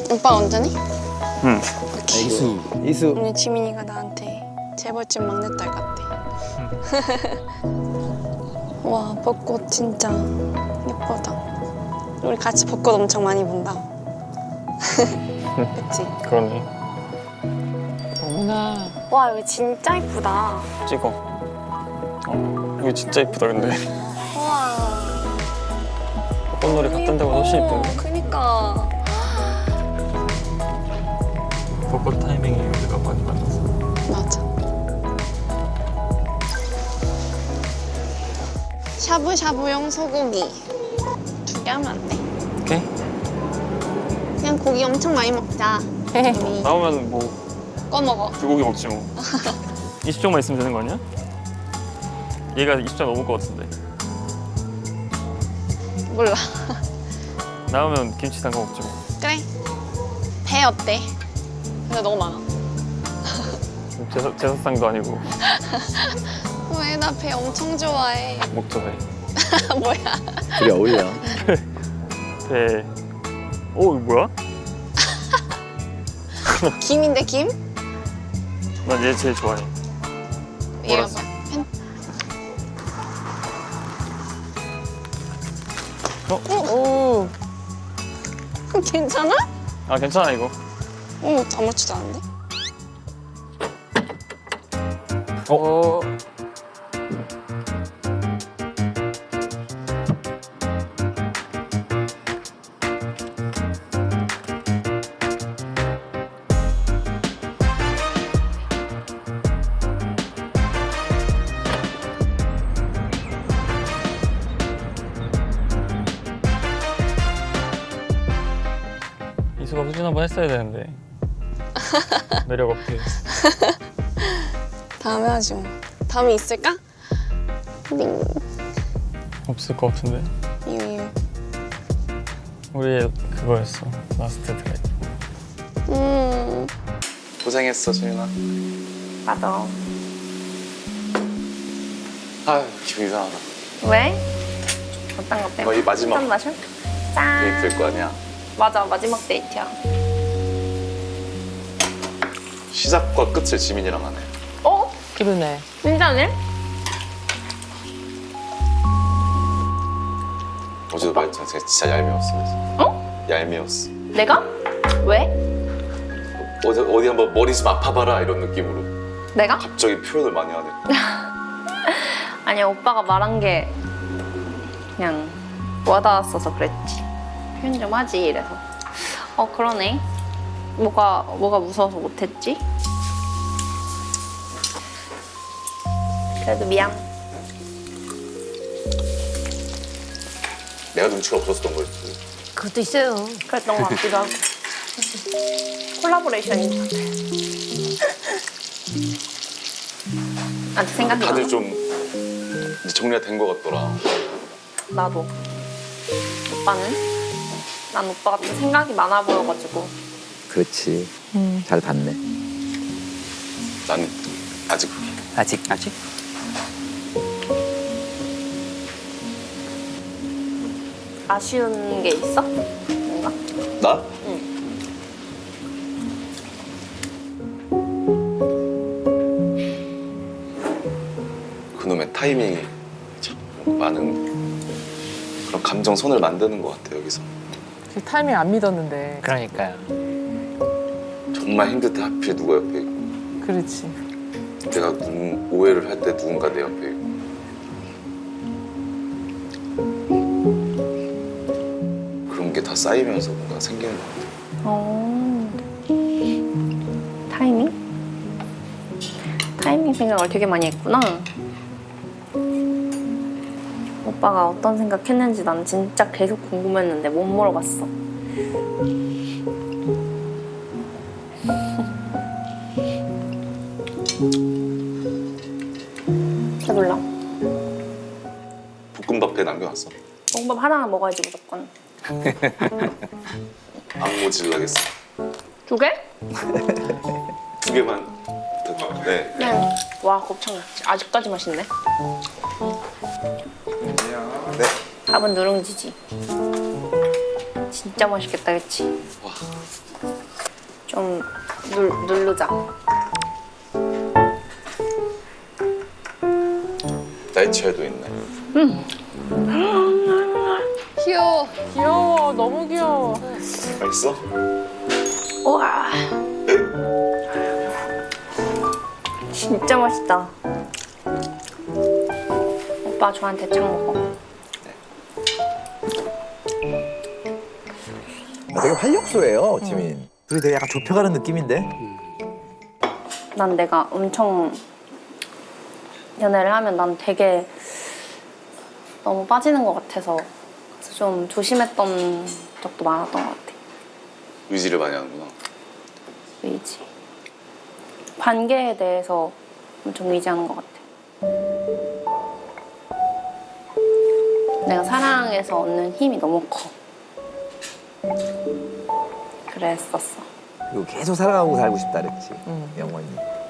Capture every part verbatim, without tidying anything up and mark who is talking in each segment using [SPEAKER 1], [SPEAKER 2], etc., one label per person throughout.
[SPEAKER 1] 오빠 언제니?
[SPEAKER 2] 응.
[SPEAKER 3] 이수. 이수.
[SPEAKER 1] 오늘 지민이가 나한테 재벌집 막내딸 같대. 와, 벚꽃 진짜 예쁘다. 우리 같이 벚꽃 엄청 많이 본다. 그치?
[SPEAKER 2] 그러네.
[SPEAKER 4] 어머나.
[SPEAKER 1] 와, 여기 진짜 예쁘다.
[SPEAKER 2] 찍어. 어, 여기 진짜 이쁘다 근데.
[SPEAKER 1] 우와.
[SPEAKER 2] 꽃놀이 갔던 데보다 훨씬 이쁜데.
[SPEAKER 1] 그니까.
[SPEAKER 2] 벚꽃 타이밍이 우리가 많이 만나서.
[SPEAKER 1] 맞아. 샤브샤브용 소고기 두 개 하면 안 돼?
[SPEAKER 2] 오케이.
[SPEAKER 1] 그냥 고기 엄청 많이 먹자. 우리
[SPEAKER 2] 나오면 뭐
[SPEAKER 1] 꺼먹어.
[SPEAKER 2] 불고기 먹지 뭐. 이십 종만 있으면 되는 거 아니야? 얘가 이십 종 넘을 것 같은데.
[SPEAKER 1] 몰라.
[SPEAKER 2] 나오면 김치 담가 먹지 뭐.
[SPEAKER 1] 그래. 배 어때? 근데 너무 많아.
[SPEAKER 2] 제사, 제사상도 아니고
[SPEAKER 1] 왜? 나 배 엄청 좋아해.
[SPEAKER 2] 먹죠 배.
[SPEAKER 1] 뭐야?
[SPEAKER 3] 둘이 어울려.
[SPEAKER 2] 배. 오 이거 뭐야?
[SPEAKER 1] 김인데 김?
[SPEAKER 2] 난 얘 제일 좋아해.
[SPEAKER 1] 얘가
[SPEAKER 2] 몰랐어.
[SPEAKER 1] 봐. 펜...
[SPEAKER 2] 어?
[SPEAKER 4] 오.
[SPEAKER 1] 괜찮아?
[SPEAKER 2] 아 괜찮아 이거.
[SPEAKER 1] 어, 아무렇지도 않은데?
[SPEAKER 4] 어.
[SPEAKER 2] 이수가 후진 한번 했어야 되는데. 매력 없게.
[SPEAKER 1] 다음에 하지 뭐. 다음에 있을까? 링.
[SPEAKER 2] 없을 것 같은데.
[SPEAKER 1] 이유.
[SPEAKER 2] 우리의 그거였어. 라스트 드라이브.
[SPEAKER 1] 음.
[SPEAKER 5] 고생했어, 지민아.
[SPEAKER 1] 맞아.
[SPEAKER 5] 아유, 기분 이상하다.
[SPEAKER 1] 왜? 어떤 것 때문에?
[SPEAKER 5] 거의 마지막
[SPEAKER 1] 한 마셔? 짠.
[SPEAKER 5] 데이트일 거 아니야.
[SPEAKER 1] 맞아, 마지막 데이트야.
[SPEAKER 5] 시작과 끝을 지민이랑 하네.
[SPEAKER 1] 어?
[SPEAKER 4] 그러네.
[SPEAKER 1] 진짜네?
[SPEAKER 5] 어제도 말했잖아. 제가 진짜 얄미웠어. 그래서.
[SPEAKER 1] 어?
[SPEAKER 5] 얄미웠어.
[SPEAKER 1] 내가? 왜?
[SPEAKER 5] 어제 어디 한번 머리 좀 아파봐라 이런 느낌으로.
[SPEAKER 1] 내가?
[SPEAKER 5] 갑자기 표현을 많이 하네.
[SPEAKER 1] 아니야, 오빠가 말한 게 그냥 와닿았어서 그랬지. 표현 좀 하지, 이래서. 어, 그러네. 뭐가, 뭐가 무서워서 못했지? 그래도 미안.
[SPEAKER 5] 내가 눈치가 없었던 거였지.
[SPEAKER 4] 그것도 있어요.
[SPEAKER 1] 그랬던 것 같기도 하고. 콜라보레이션인 것 같아. 아직 생각이 나.
[SPEAKER 5] 다들 좀 이제 정리가 된 거 같더라.
[SPEAKER 1] 나도. 오빠는? 난 오빠가 좀 생각이 많아 보여가지고.
[SPEAKER 3] 그렇지.
[SPEAKER 4] 음.
[SPEAKER 3] 잘 봤네.
[SPEAKER 5] 난 아직
[SPEAKER 3] 아직 아직.
[SPEAKER 1] 아쉬운 게 있어? 뭔가?
[SPEAKER 5] 나?
[SPEAKER 1] 응.
[SPEAKER 5] 그놈의 타이밍이 참 많은 그런 감정선을 만드는 것 같아 여기서.
[SPEAKER 4] 그 타이밍 안 믿었는데.
[SPEAKER 3] 그러니까요.
[SPEAKER 5] 정말 힘들 때 하필 누가 옆에 있고
[SPEAKER 4] 그렇지.
[SPEAKER 5] 내가 누군, 오해를 할 때 누군가 내 옆에 있고 그런 게 다 쌓이면서 뭔가 생기는 것 같아.
[SPEAKER 1] 어. 타이밍? 타이밍 생각을 되게 많이 했구나. 오빠가 어떤 생각했는지 난 진짜 계속 궁금했는데 못 물어봤어. 배불러.
[SPEAKER 5] 볶음밥에 남겨놨어?
[SPEAKER 1] 볶음밥 하나는 먹어야지 무조건.
[SPEAKER 5] 안 모질라겠어.
[SPEAKER 1] 두 개?
[SPEAKER 5] 두 개만. 네.
[SPEAKER 1] 네. 와, 곱창 아직까지 맛있네.
[SPEAKER 5] 네.
[SPEAKER 1] 밥은 누룽지지. 진짜 맛있겠다, 그치?
[SPEAKER 5] 와.
[SPEAKER 1] 좀 눌, 누르자.
[SPEAKER 5] 나이츠에도 있네.
[SPEAKER 1] 귀여워.
[SPEAKER 4] 귀여워. 너무 귀여워.
[SPEAKER 5] 맛있어?
[SPEAKER 1] 우와. 진짜 맛있다. 오빠 저한테 창 먹어.
[SPEAKER 3] 되게 활력소예요, 지민. 둘이 되게 약간 좁혀가는 느낌인데?
[SPEAKER 1] 난 내가 엄청 연애를 하면 난 되게 너무 빠지는 것 같아서 그래서 좀 조심했던 적도 많았던 것 같아.
[SPEAKER 5] 의지를 많이 하는구나.
[SPEAKER 1] 의지. 관계에 대해서 엄청 의지하는 것 같아. 내가 사랑에서 얻는 힘이 너무 커. 그랬었어.
[SPEAKER 3] 그리고 계속 살아가고 살고 싶다 그랬지,
[SPEAKER 4] 응.
[SPEAKER 3] 영원히.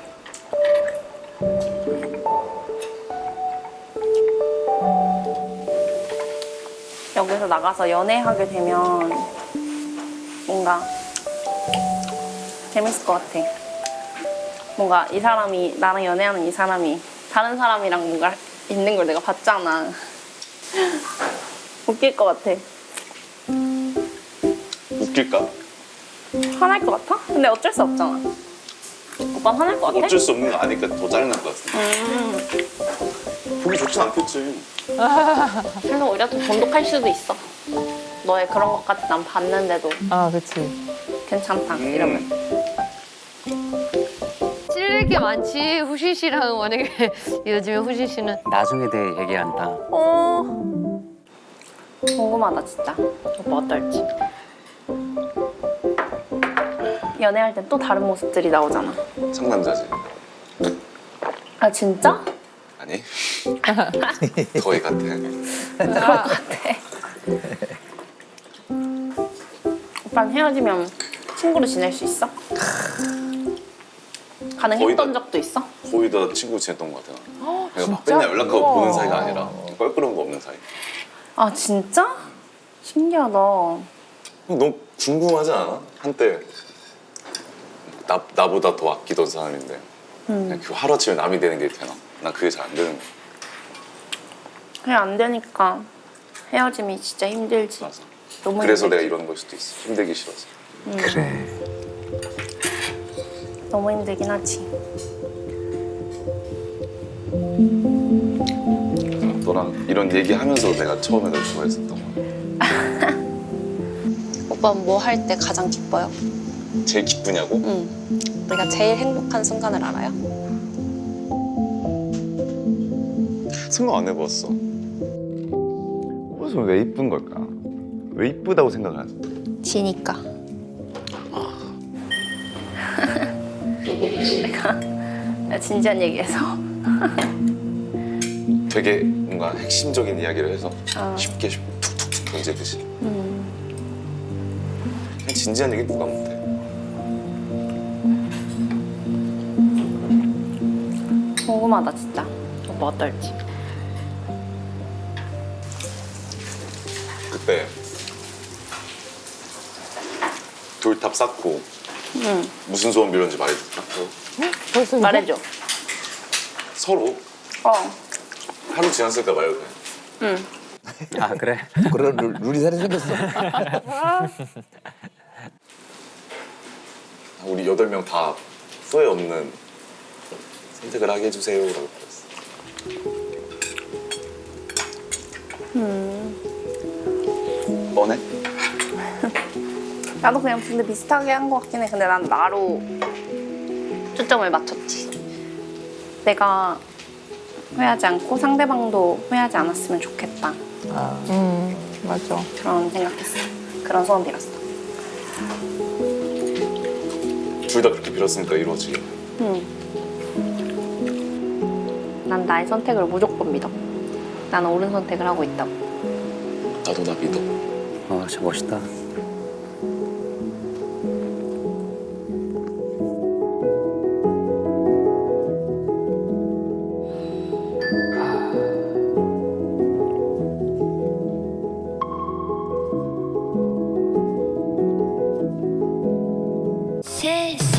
[SPEAKER 1] 여기서 나가서 연애하게 되면 뭔가 재밌을 것 같아. 뭔가 이 사람이 나랑 연애하는 이 사람이 다른 사람이랑 뭔가 있는 걸 내가 봤잖아. 웃길 것 같아.
[SPEAKER 5] 웃길까?
[SPEAKER 1] 화날 것 같아? 근데 어쩔 수 없잖아. 오빠 화날 것 같아?
[SPEAKER 5] 어쩔 수 없는 거 아니까 더 짜증날 것 같은데.
[SPEAKER 1] 음,
[SPEAKER 5] 보기 좋진 않겠지.
[SPEAKER 1] 그래서 오히려 더 돈독할 수도 있어. 너의 그런 것까지 난 봤는데도
[SPEAKER 4] 아, 그치.
[SPEAKER 1] 괜찮다
[SPEAKER 5] 음.
[SPEAKER 1] 이러면.
[SPEAKER 6] 찔릴 게 많지. 후시 씨랑 만약에 요즘에 후시 씨는
[SPEAKER 7] 나중에 대해 얘기한다.
[SPEAKER 1] 어... 궁금하다 진짜. 오빠 어떨지. 연애할 땐 또 다른 모습들이 나오잖아.
[SPEAKER 5] 상남자지.
[SPEAKER 1] 아 진짜?
[SPEAKER 5] 아니? 거의 같아.
[SPEAKER 1] 그럴 것 같아. 오빠는 헤어지면 친구로 지낼 수 있어? 가능했던
[SPEAKER 5] 거의 다-
[SPEAKER 1] 적도 있어?
[SPEAKER 5] 거의 다 친구 지냈던 것 같아. 내가 막
[SPEAKER 4] 진짜?
[SPEAKER 5] 맨날 연락하고
[SPEAKER 4] 우와.
[SPEAKER 5] 보는 사이가 아니라 껄끄러운 거 없는 사이.
[SPEAKER 1] 아 진짜? 신기하다.
[SPEAKER 5] 너무 궁금하지 않아? 한때 나, 나보다 더 아끼던 사람인데 그냥 그 하루아침에 남이 되는 게 되나? 난 그게 잘 안 되는 거야.
[SPEAKER 1] 그냥 안 되니까 헤어짐이 진짜 힘들지.
[SPEAKER 5] 맞아.
[SPEAKER 1] 너무
[SPEAKER 5] 그래서
[SPEAKER 1] 힘들지.
[SPEAKER 5] 내가 이러는 걸 수도 있어. 힘들기 싫어서.
[SPEAKER 3] 그래.
[SPEAKER 1] 너무 힘들긴 하지.
[SPEAKER 5] 너랑 이런 얘기하면서 내가 처음에 널 좋아했었던 거야.
[SPEAKER 1] 오빠 뭐 할 때 가장 기뻐요?
[SPEAKER 5] 제일 기쁘냐고?
[SPEAKER 1] 응. 내가 제일 행복한 순간을 알아요?
[SPEAKER 5] 생각 안 해봤어. 옷은 왜 이쁜 걸까? 왜 이쁘다고 생각을 하지?
[SPEAKER 1] 지니까. 내가, 내가 진지한 얘기해서.
[SPEAKER 5] 되게 뭔가 핵심적인 이야기를 해서
[SPEAKER 1] 어.
[SPEAKER 5] 쉽게 쉽게 툭툭툭 던지듯이.
[SPEAKER 1] 음.
[SPEAKER 5] 그냥 진지한 얘기 누가 못해.
[SPEAKER 1] 궁금하다 진짜. 오빠 어떨지.
[SPEAKER 5] 그때 돌탑 쌓고
[SPEAKER 1] 응.
[SPEAKER 5] 무슨 소원 빌었는지 말해줄까?
[SPEAKER 4] 벌써 이거?
[SPEAKER 1] 말해줘.
[SPEAKER 5] 서로
[SPEAKER 1] 어.
[SPEAKER 5] 하루 지났으니까 말해도 돼.
[SPEAKER 1] 응.
[SPEAKER 7] 아 그래?
[SPEAKER 3] 그런 룰, 룰이 새로 생겼어.
[SPEAKER 5] 우리 여덟 명 다 후회 없는 선택을 하게 해주세요라고 그랬어.
[SPEAKER 1] 음.
[SPEAKER 5] 뻔해?
[SPEAKER 1] 나도 그냥 근데 비슷하게 한 것 같긴 해. 근데 난 나로 초점을 맞췄지. 내가 후회하지 않고 상대방도 후회하지 않았으면 좋겠다.
[SPEAKER 3] 아,
[SPEAKER 4] 음, 맞아.
[SPEAKER 1] 그런 생각했어. 그런 소원 빌었어.
[SPEAKER 5] 둘 다 그렇게 빌었으니까 이루어지게.
[SPEAKER 1] 응. 난 나의 선택을 무조건 믿어. 나는 옳은 선택을 하고 있다고.
[SPEAKER 5] 나도 나 믿어.
[SPEAKER 7] 어, 진짜 멋있다.
[SPEAKER 8] 세상